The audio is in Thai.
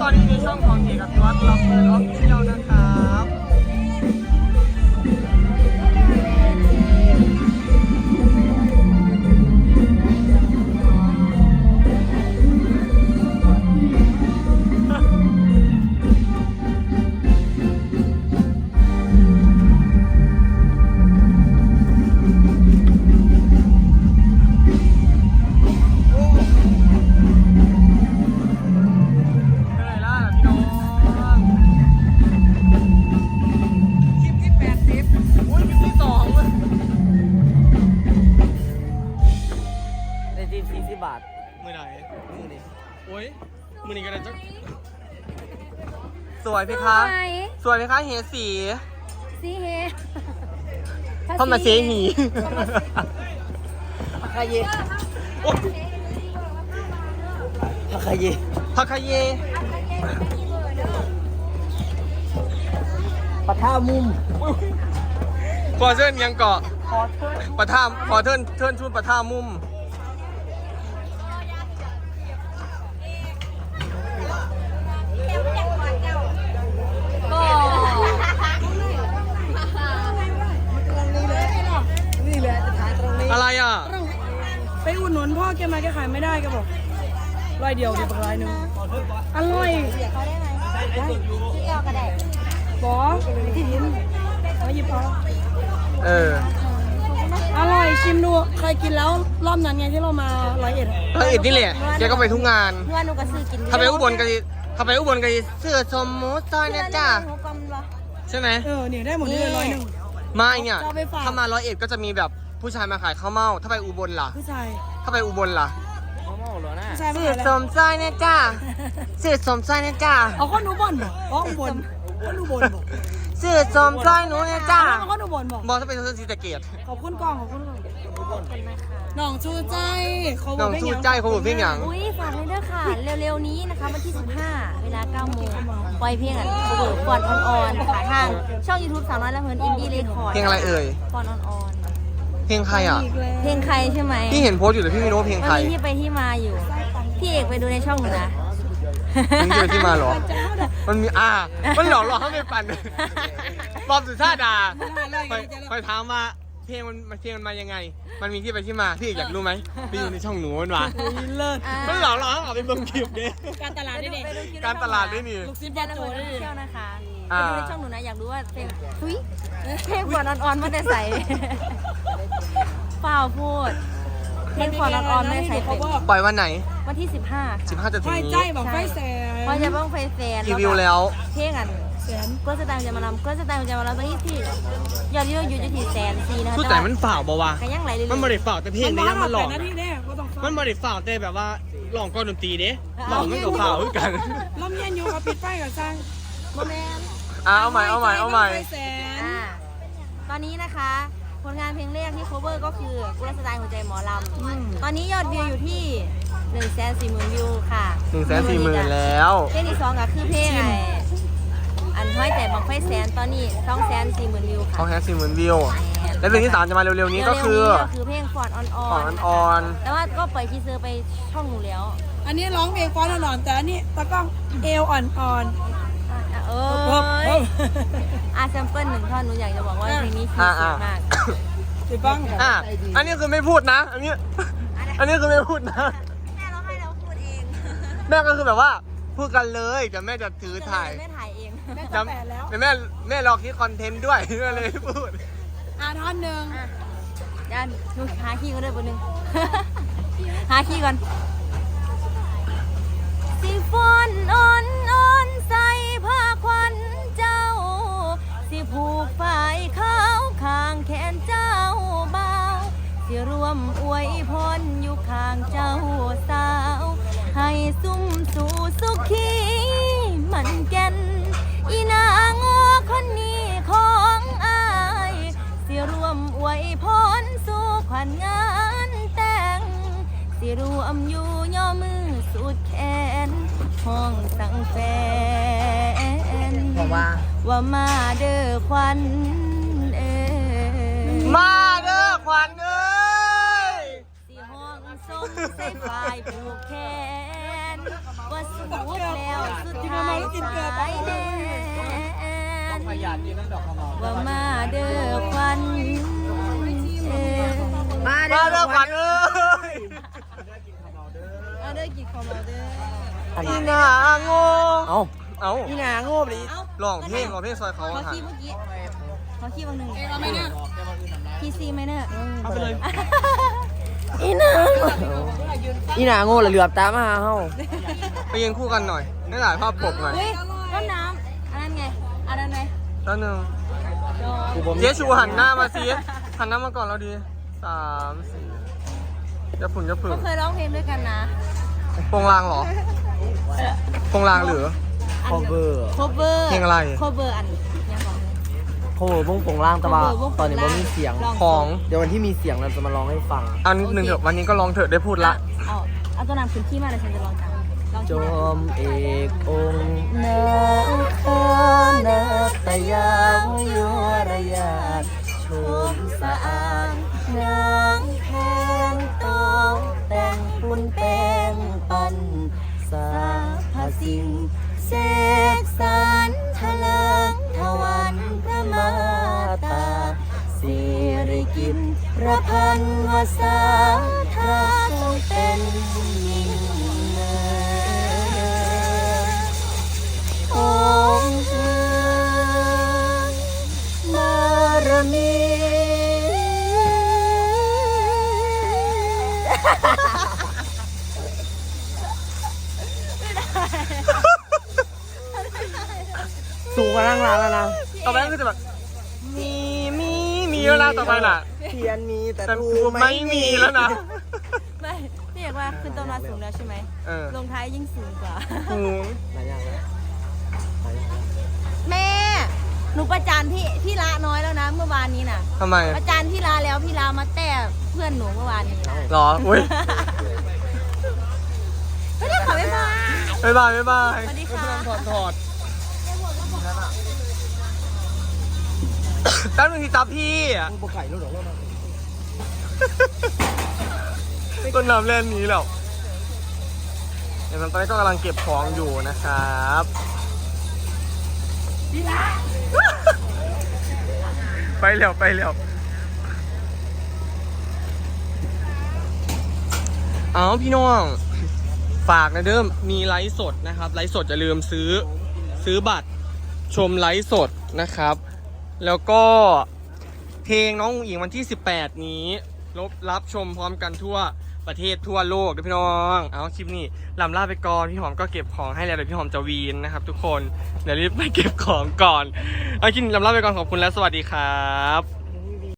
อนนี้ในช่องของเอกวัตรรับเปิดออฟฟิเชียลนะครับมือไหนมือนี่โอ้ยมือนี่กันนะจ๊ะสวยไหมคะสวยไหมคะเฮสีสีเฮเข้ามาเซหีพักคาเยพักคาเยพักคาเยปะท่ามุมขอเชิญยังเกาะปะท่าขอเทินชุดปะท่ามุมอะไรอ่ะไปอุดหนุนพ่อแกมาแกขายไม่ได้แกบอกร้อยเดียวเดี๋ยวร้อยหนึ่งอร่อยเขาได้ไหมที่เอวก็ได้บอที่ดินมาหยิบเอาอร่อยชิมดูเคยกินแล้วรอบนั้นไงที่เรามา101 นี่แหละแกก็ไปทุกงานเพื่อนหนูก็ซื้อกินถ้าไปอุบลกันเสื้อสมมุติซอยเนี่ยจ้าใช่ไหมเนี่ยได้หมดเลย101 ไม่เนี่ยถ้ามา101ก็จะมีแบบผู้ชายมาขายข้าวเม่าถ้าไปอุบลล่ะผู้ชายถ้าไปอุบลล่ะข้าวเม่าเหรอนะเสื้อสมซอยเนี่ยจ้าเสื้อสมซอยเนี่ยจ้าเอาข้อนูบอลบอกอุบลข้อนูบอลบอกเสื้อสมซอยหนูเนี่ยจ้าข้อนูบอลบอกถ้าไปเสื้อสีตะเกียบขอบคุณกองขอบคุณน้องชูใจน้องชูใจเขาบอกเพียงอย่างอุ้ยฝากเลยด้วยค่ะเร็วๆนี้นะคะวันที่15เวลา9 โมงปล่อยเพลงเปิดก่อนออนๆค่ะทางช่อง YouTube สาวน้อยและเพื่อนอินดี้เรคคอร์ดเพลงอะไรเอ่ยก่อนออนเพลงใครอ่ะเพลงใครใช่ไหมพี่เห็นโพสอยู่แต่พี่ไม่รู้เพลงใครมันมีที่ไปที่มาอยู่พี่เอกไปดูในช่องหนูนะมันมีที่มาหรอมันมีมันหลอกให้ไปปั่นบอมสุชาดาไปถามว่าเพลงมันมายังไงมันมีที่ไปที่มาพี่อยากรู้ไหมไปอยู่ในช่องหนูมันวะมันหลอกให้ไปเบิ่งคลิปเนี่ยการตลาดได้นี่การตลาดได้นี่ลูกศิษย์บอลโจได้เที่ยวนะคะไปดูในช่องหนูนะอยากรู้ว่าเพลงเพลงก่อนอ่อนๆมันจะใส่เปล่าพูดเพลงก่อนอ่อนๆไม่ใส่ปล่อยวันไหนวันที่15 จะถึงนี้ใจบอกไฟแสนพอจะบ้องไฟแสนรีวิวแล้วเพลงก็จะตังจะมาลำตอนนี้ที่ยอดอยู่ที่104,000นะคะแต่มันฝ่าบ่วะมันบริฝ่าแต่เพลงนี้มันหลอกมันบริฝ่าแต่แบบว่าหลอกก้อนดนตรีเด้หลอกมันกับฝ่าเหมือนกันลมเย็นอยู่กับปิดไฟกับสร้างโมเมนต์เอาใหม่ตอนนี้นะคะผลงานเพลงแรกที่ cover ก็คือกุลสไตล์หัวใจหมอลำตอนนี้ยอดวิวอยู่ที่140,000 วิวค่ะ 140,000แล้วเพลงที่2ก็คือเพลงอันห้อยแต่บังไฟแสนตอนนี้240,000 วิวค่ะ 240,000 วิวและเพลงที่3จะมาเร็วๆนี้ก็คือเพลงฟอร์ดออนแต่ว่าก็ปล่อยทีเซอร์ไปช่องหนูแล้วอันนี้ร้องเพลงฟอร์ดอ่อนแต่อันนี้ตะก้องเอวอ่อนแซมเปิล1 ท่อนหนูอยากจะบอกว่าเพลงนี้คือสุดมากติบ้างอันนี้คือไม่พูดนะอันนี้คือไม่พูดนะแม่ร้องให้เราพูดเองแม่ก็คือแบบว่าพูดกันเลยแต่แม่จะถือถ่ายแม่ถ่ายเองแม่จะแปะแล้วแต่แม่รอคิดคอนเทนต์ด้วยก็เลยพูดท่อนหนึ่งด้านหนูหาขี้ก็ได้บนหนึ่งหาขี้ก่อนสิฝนอ่อนใส่ผ้าควันเจ้าสิผูกฝ่ายขาวข้างแขนเจ้าเบาสิรวมอวยพรอยู่ข้างเจ้าสาวให้ซุ่มสู่สุขีมันแก่นอีนางคนนี้ของอายสิรวมอวยพรสู่ขวัญงานแต่งสิรวมอยู่ย่อมือสุดแขนห้องสั่งแฟนว่ามาเด้อควันมาเด้อควันสิห้องส่งใส่ฝ่ายผูกแขนว่าสุดแล้วสุดท้าว่ามาเด้อควันมามาเด้อขวัญเอ้ยมาเด้อกี่คอมเด้ออีหนาโง่เอ้าเอ้านี่นาโง่ไปดิร้องเพลงซอยเขาขอหันขี้เมื่อกี้ขอขี้บางหนึ่งคีซีไหมเนี่ยเอาไปเลยอีนาโง่เหลือบตามมาหาเฮาไปยืนคู่กันหน่อยได้ถ่ายภาพปกหน่อยเฮ้ยต้นน้ำอันนั้นไงอันนั้นไงแล้วหนึ่งโดนเจ๊ชูหันหน้ามาสิหันหน้ามาก่อนเราดี3 4จะผุ่นจะผึ่งก็เคยร้องเพลงด้วยกันนะโปงลางเหรอโปงลางหรือคอเวอร์โคเวอร์เพลงอะไรโคเวอร์อันยังของโคเวอร์วงโปงล่างแต่ว่าตอนนี้บ่มีเสียงของเดี๋ยววันที่มีเสียงเราจะมาร้องให้ฟังอันหนึ่งเถอะวันนี้ก็ลองเถอะได้พูดละเอาตัวน้ำขึ้นขี้มาเลยฉันจะลองจังลองจขี้มาอมเอกองค์นาคานาตยาวิวรยาชมสะอางนางแทนตองแต่งปุ่นแป้งปันสาพสิ่งเสกสรรทะเลิงทวันพระมาตาสิริกินพระพันวษาทราเป็นยิ่งเนินองค์บารมี สูงกว่านั่งร้านแล้วนะต่อไปก็คือจะแบบมีแล้วนะต่อไปน่ะเทียนมีแต่แต่กูไม่มีแล้วนะไม่พี่อยากว่าขึ้นต้นมาสูงแล้วใช่ไหมเออลงท้ายยิ่งสูงกว่าหูหลายอย่างแล้วแม่ หนูประจานพี่ละน้อยแล้วนะเมื่อวานนี้น่ะทำไมประจานพี่ละแล้วพี่ละมาแต้เพื่อนหนูเมื่อวานนี้หรออุ้ยไม่ได้ขอไม่มาบ๊ายบายบ๊ายบายสวัสดีค่ะถอดแป๊บนึงที่จับพี่อ่ะมึงปไก่รู้หรอว่ามันต้นน้ำเล่นนี้แล้วเดี๋ยวตอนนี้ก็กำลังเก็บของอยู่นะครับไปเร็วไปเร็วเอาพี่น้องฝากนะเดิมมีไลฟ์สดนะครับไลฟ์สดอย่าลืมซื้อบัตรชมไลฟ์สดนะครับ แล้วก็เพลงน้องอุ๋งอิงวันที่18นี้รับชมพร้อมกันทั่วประเทศทั่วโลกด้วยพี่น้องเอาคลิปนี้ลำลาไปก่อนพี่หอมก็เก็บของให้แล้วเดี๋ยวพี่หอมจะวีนนะครับทุกคนเดี๋ยวรีบไปเก็บของก่อนเอาคลิปนี้ลำลาไปก่อนขอบคุณและสวัสดีครับ